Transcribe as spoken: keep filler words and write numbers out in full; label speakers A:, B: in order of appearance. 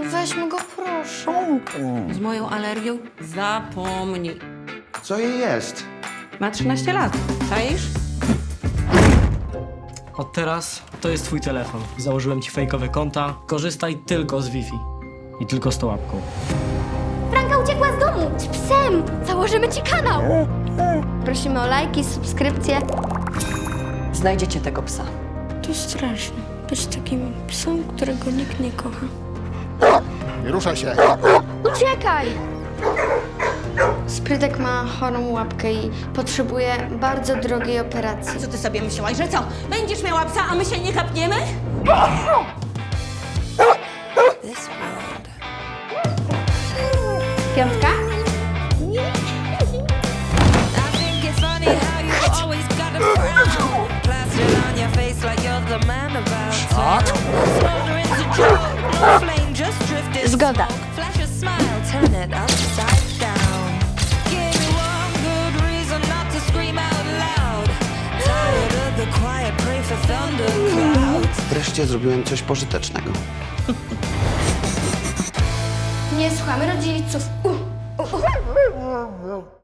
A: Weźmy go, proszę.
B: Z moją alergią zapomnij.
C: Co jej jest?
B: Ma trzynaście lat. Czaisz?
D: Od teraz to jest twój telefon. Założyłem ci fejkowe konta. Korzystaj tylko z Wi-Fi. I tylko z tą łapką.
A: Franka uciekła z domu z psem. Założymy ci kanał. Prosimy o lajki, subskrypcje.
B: Znajdziecie tego psa.
A: To straszne. Być takim psem, którego nikt nie kocha.
E: Nie ruszaj się!
A: Uciekaj! Sprytek ma chorą łapkę i potrzebuje bardzo drogiej operacji.
B: Co ty sobie myślałaś, że co? Będziesz miała psa, a my się nie kapniemy?
A: Piątka?
F: I think it's funny how you always got a frown plastered on your face like you're the man about town. Smoldering to joke, no flame just drifted.
A: Zgoda.
F: Flash a smile, turn it upside down. Give me one good reason not to scream out loud. Tired of the quiet, pray for thunderclouds.
C: Wreszcie zrobiłem coś pożytecznego.
A: Nie słuchamy rodziców. Uh, uh, uh.